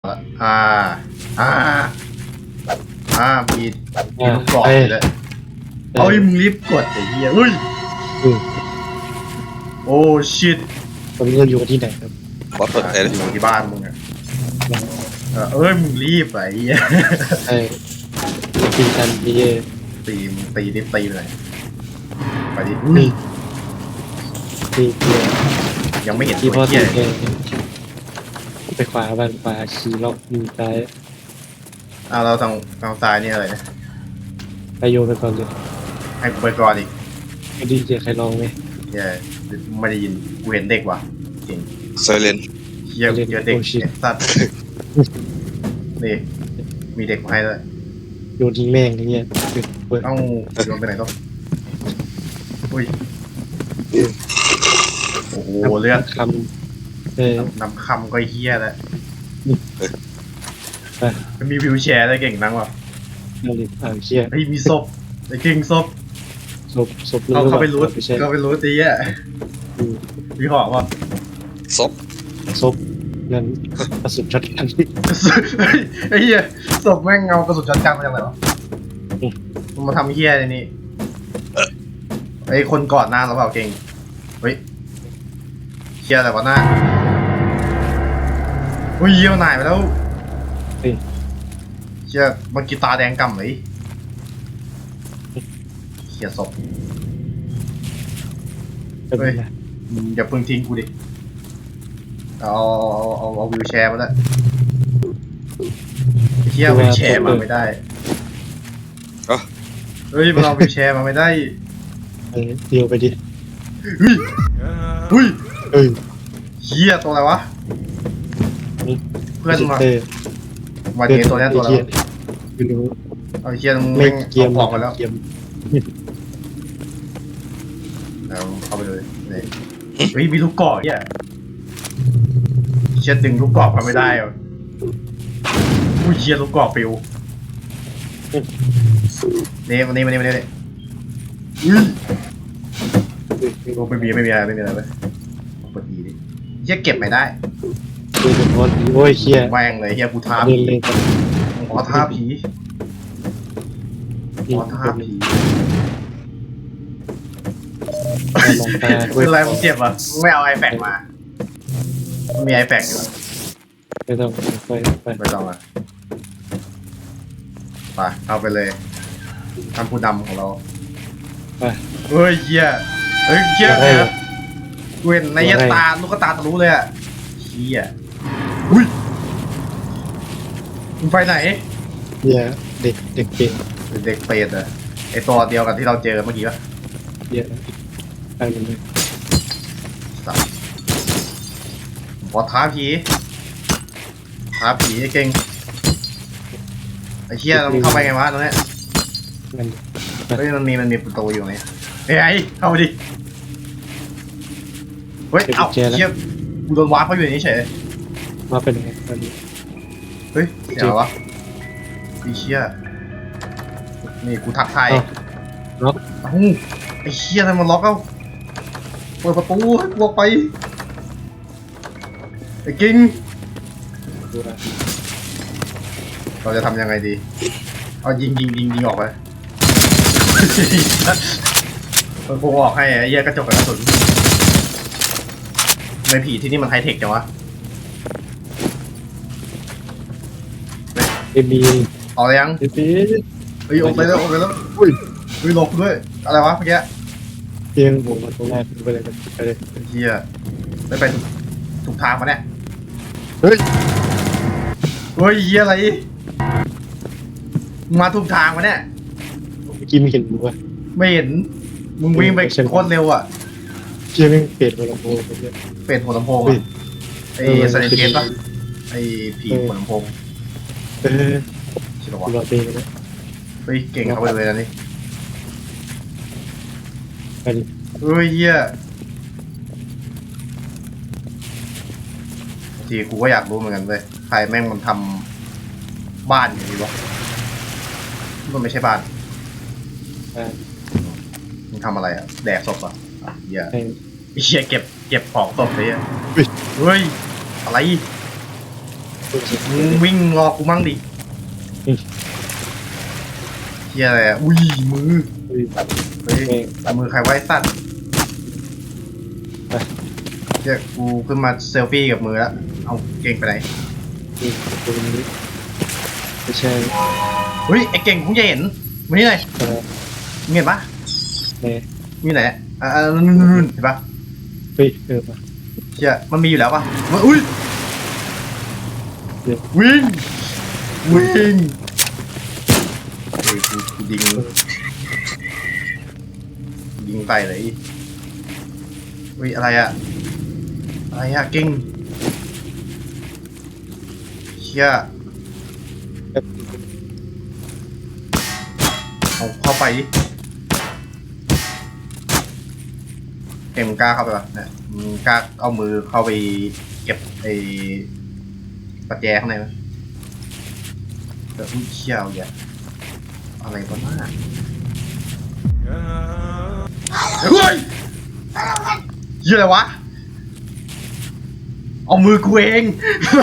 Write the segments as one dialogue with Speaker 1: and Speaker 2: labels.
Speaker 1: อ่าอ่ามีลูกกรอกอยู่เลยเอามึงรีบกดไอ้เหี้ยอุ้ยโอ้ชิต
Speaker 2: ตอนนี้เราอยู่กันที่ไหนครับ
Speaker 3: บอสเปิดเลย
Speaker 1: อยู่ที่บ้านมึงอ่ะมึงรีบไอ้เหี้ย
Speaker 2: ใช่ตีกันดี
Speaker 1: ตีเลยไปดิ
Speaker 2: ตีเกียร์
Speaker 1: ยังไม่เห็น
Speaker 2: ที่พ่อตี
Speaker 1: เหี้ย
Speaker 2: เกียร์ไปขวาบ้านขวาขี่ล็อกมีซ้าย
Speaker 1: เราทางซ้ายนี่อะไรนะ
Speaker 2: ไปโยนไปก่อนเลย
Speaker 1: ให้กูไปก่อนอีก
Speaker 2: ไม่ดีเจใครลองไหม
Speaker 1: เหี้ยไม่ได้ยินกูเห็นเด็กว่ะจริง
Speaker 3: ไซเลน
Speaker 1: เหี้ยเด็กสัตว์นี่มีเด็กมาให้ด้วย
Speaker 2: โยนทิ้งแม่งอย่างเงี้ย
Speaker 1: ต้องโยนไปไหนต้องอุ้ยโอ้โหเลือด
Speaker 2: คำ
Speaker 1: นำคำก็เฮี้ยแล้วมีวิวแชร์ได้เก่งนังวะ
Speaker 2: นั่นดิเชี่ย
Speaker 1: เฮ้ยมีศพไอ้เก่งศพเขาไปรู้ตีอ่ะมีหอกวะ
Speaker 3: ศพ
Speaker 2: นั่นกระสุนช็อตกัน
Speaker 1: ไอ้เหี้ยศพแม่งเงากระสุนช็อตกันมาจากไหนวะมันมาทำเฮี้ยนี่ไอ้คนก่อนหน้าเราเปล่าเก่งเฮ้ยเฮี้ยอะไรวะหน้าอุ้ยเยี่ยวนายไปแล้วเฮี้ยมันกีตาแดงกำเลยเฮี้ยศพเฮ้ยอย่าพึ่งทิ้งกูดิเอาวิวแชร์มาแล้วเฮี้ยวิวแชร์มาไม่ได้เฮ้ยมันเอาวิวแชร์มาไม่ได้
Speaker 2: เดียวไปดิ
Speaker 1: อุ้ยเฮียตัวอะไรวะเพื่อนมาเจอตัวนี้ตัวแล้วเอาเฮียมึง
Speaker 2: เกียร์
Speaker 1: ออกไปแล้วแล้วเข้าไปเลยเฮ้ยมีลูกกรอกเฮียเชียดึงลูกกรอกมาไม่ได้อ่ะอุ้ยเชียลูกกรอกปิวนี่มานี่ไม่มีอะไรเลยปกติดิเฮียเก็บไม่ได้
Speaker 2: โอ้ยเฮีย
Speaker 1: แม่งเลยเฮียกูท้าผีขอท้าผีคืออะไรมึงเจ็บอ่ะไม่เอาไอแฟกมามีไอแฟกอยู่
Speaker 2: ไม่ต้อง
Speaker 1: ไม่ต้องอ่ะไปเอาไปเลยทำผู้นำของเราเฮ้ยเหี้ยเว้นในยันตาลูกตาทะลุเลยอ่ะเหี้ยอุ้ยมึงไปไหน
Speaker 2: เหี้ยเด็กเปรต
Speaker 1: อ่ะไอตัวเดียวกันที่เราเจอเมื่อกี้ป่ะ
Speaker 2: เหี้ยไปเลย
Speaker 1: ขอท้าผีเก่งไอ้เหี้ยมันเข้าไปไงวะตรงนี้เฮ้ยมันมีประตูอยู่ไหมเฮ้ยเข้าไปดิเฮ้ยเอ้าเหี้ยกูโดนวาร์ปเขาอยู่ในนี้เฉย
Speaker 2: มาเป็นไงตอนนี้
Speaker 1: เฮ้ยเดี๋ยววะไอ้เหี้ยนี่กูทักทาย
Speaker 2: ล็อก
Speaker 1: ไอ้เหี้ยทำไมมันล็อกเอ้าเปิดประตูให้กูไปไอ้กิ้งเราจะทำยังไงดีเอายิงออกไปมันพงออกให้ไอ้เหี้ยกระจกกระสุนในผีที่นี่มันไฮเทคจังวะ
Speaker 2: บี
Speaker 1: ออกยังเฮ้ยออกไปแล้วอุ้ยหลบด้วยอะไรวะเมื่อกี้
Speaker 2: เตียงผมมาตรงแรกไปเลย
Speaker 1: เหี้ยไม่ไปถูกทางมาเนี่ย
Speaker 2: เฮ้ย
Speaker 1: เหี้ยอะไรมาถูกทางมาเนี่ย
Speaker 2: เมื่อกี้ไม่เห็นมึงวะ
Speaker 1: ไม่เห็นมึงวิ่งไปโคตรเร็วอ่ะ
Speaker 2: เชี่ยไม่เปลี่ยนหัวลำโพง
Speaker 1: เปลี่ยนหัวลำโพงไอ้สไนเกตป่ะไอ้ผีหัวลำโพงใช่ป่ะวะเฮ้ยเก่งเข้าไปเลยนะนี่
Speaker 2: ไปดิ
Speaker 1: เฮ้ยเหี้ยทีกูก็อยากรู้เหมือนกันเลยใครแม่งมันทำบ้านอย่างนี้วะมันไม่ใช่บ้านมึงทำอะไรอ่ะแดกศพอ่ะเหี้ยเก็บของศพเลยอ่ะเฮ้ยอะไรมึงวิ่งรอกูมั่งดิเฮียอะไรอ่ะอุ้ยมือเฮ้ยมือใครไว้สัตว์เฮียกูขึ้นมาเซลฟี่กับมือแล้วเอาเก่งไปไหน
Speaker 2: ไม่ใช่
Speaker 1: เฮ้ยไอเก่งคงจะเห็นมานี่หน่อย
Speaker 2: เออ
Speaker 1: มึงเห็นปะ
Speaker 2: แน่
Speaker 1: มีไหนนู่นเห็นปะ
Speaker 2: เฮ้ยมา
Speaker 1: เฮียมันมีอยู่แล้วปะอุ้ยวิ่งเฮ้ยกูยิงไปเลยเฮ้ยอะไรอะเก่งเชี่ยเอาเข้าไปดิเก่งมึงกล้าเข้าไปปะเนี่ยมึงกล้าเอามือเข้าไปเก็บไอ้ประแจข้างในไหมเดี๋ยวเชี่ยวอย่าอะไรวะน่าเฮ้ยเหี้ยอะไรวะเอามือกูเอง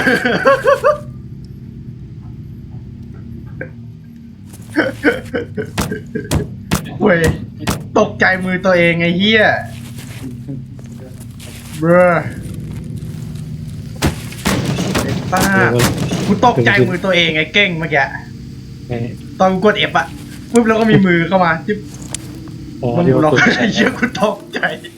Speaker 1: เว้ยตกใจมือตัวเองไอ้เหี้ยเบ้อไอ้ป้ากูตกใจมือตัวเองไอ้เก้งเมื่อกี้
Speaker 2: แน่
Speaker 1: ตอนกูกด F อะปุ๊บแล้วก็มีมือเข้ามาจิ๊บ
Speaker 2: อ๋อ
Speaker 1: มัน
Speaker 2: เดี๋ยว
Speaker 1: ล็อก
Speaker 2: ตัว
Speaker 1: ไอ้เหี้ยกูตกใจ